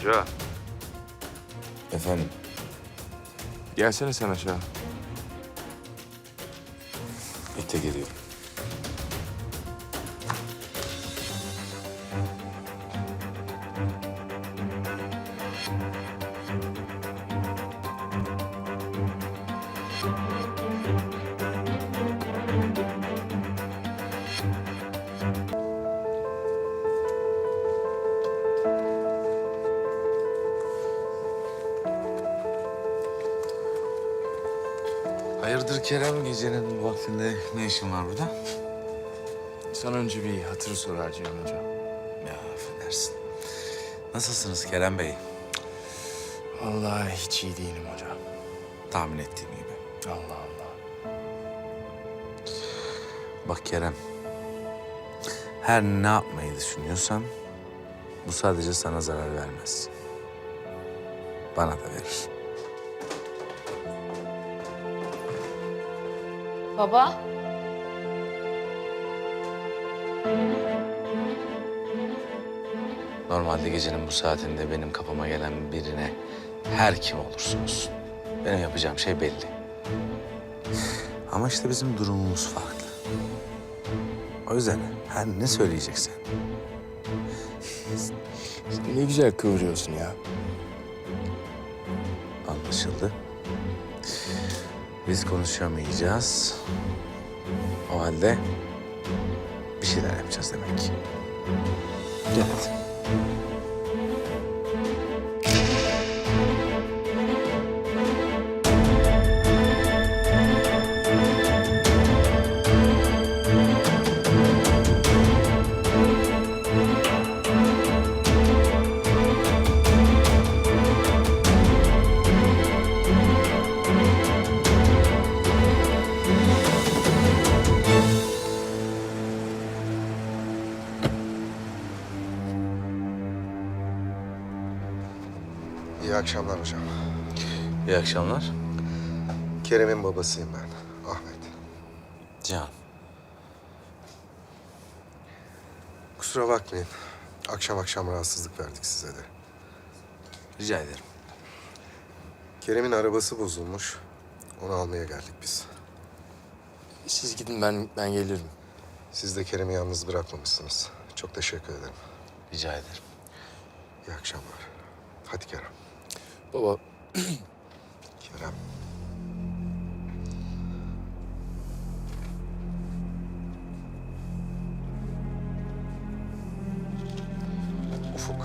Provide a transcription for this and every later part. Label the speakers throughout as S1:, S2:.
S1: Hoca.
S2: Efendim?
S1: Gelsene sen aşağı.
S2: İte geliyorum. Hayırdır Kerem, gecenin bu vaktinde ne işin var burada?
S1: Sana önce bir hatır soracağım hocam.
S2: Ya affedersin. Nasılsınız Kerem Bey?
S1: Vallahi hiç iyi değilim hocam.
S2: Tahmin ettiğim gibi.
S1: Allah Allah.
S2: Bak Kerem, her ne yapmayı düşünüyorsan bu sadece sana zarar vermez. Bana da verir.
S3: Baba.
S2: Normalde gecenin bu saatinde benim kapıma gelen birine her kim olursa olsun benim yapacağım şey belli. Ama işte bizim durumumuz farklı. O yüzden her ne söyleyeceksen
S1: Sen ne güzel kıvırıyorsun ya.
S2: anlaşıldı. Biz konuşamayacağız. O halde bir şeyler yapacağız demek ki. Gel hadi.
S4: İyi akşamlar hocam.
S2: İyi akşamlar.
S4: Kerem'in babasıyım ben, Ahmet.
S2: Can.
S4: Kusura bakmayın. Akşam akşam rahatsızlık verdik size de.
S2: Rica ederim.
S4: Kerem'in arabası bozulmuş. Onu almaya geldik biz.
S1: Siz gidin ben gelirim.
S4: Siz de Kerem'i yalnız bırakmamışsınız. Çok teşekkür ederim.
S2: Rica ederim.
S4: İyi akşamlar. Hadi Kerem.
S1: Baba
S4: Kerem. Ufuk.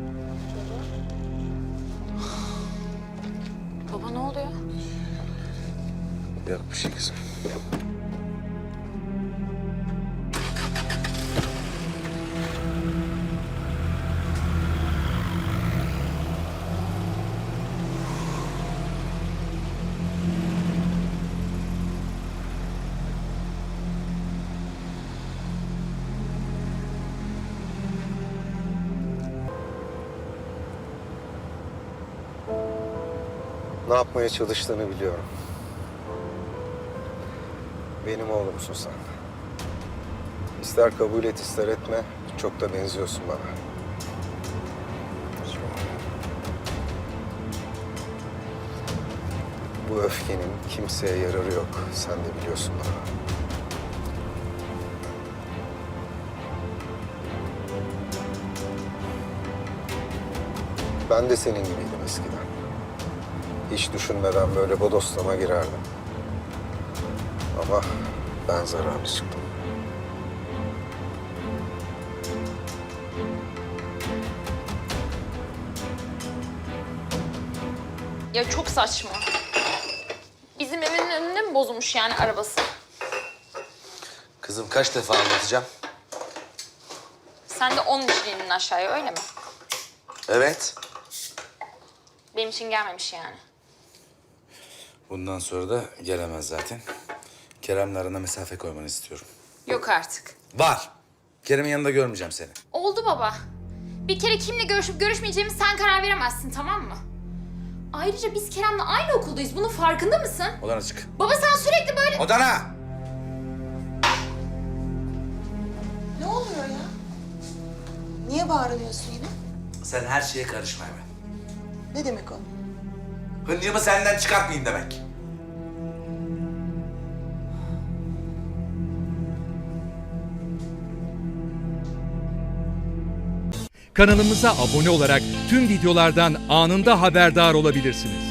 S3: Baba ne oluyor?
S2: Yok bir şey kızım.
S4: Ne yapmaya çalıştığını biliyorum. Benim oğlumsun sen. İster kabul et ister etme, çok da benziyorsun bana. Bu öfkenin kimseye yararı yok. Sen de biliyorsun bana. Ben de senin gibiydim eskiden. Hiç düşünmeden böyle bodoslama girerdim. Ama ben zararlı çıktım.
S3: Ya çok saçma. Bizim evin önünde mi bozulmuş yani arabası?
S2: Kızım kaç defa anlatacağım?
S3: Sen de onun için indin aşağıya öyle mi?
S2: Evet.
S3: Benim için gelmemiş yani.
S2: Bundan sonra da gelemez zaten. Kerem'le arana mesafe koymanı istiyorum.
S3: Yok artık.
S2: Var. Kerem'in yanında görmeyeceğim seni.
S3: Oldu baba. Bir kere kimle görüşüp görüşmeyeceğimizi sen karar veremezsin, tamam mı? Ayrıca biz Kerem'le aynı okuldayız. Bunun farkında mısın?
S2: Odana çık.
S3: Baba sen sürekli böyle...
S2: Odana!
S5: Ne oluyor ya? Niye bağırıyorsun yine?
S2: Sen her şeye karışma hemen.
S5: Ne demek o?
S2: Hıncımı senden çıkartmayayım demek.
S6: Kanalımıza abone olarak tüm videolardan anında haberdar olabilirsiniz.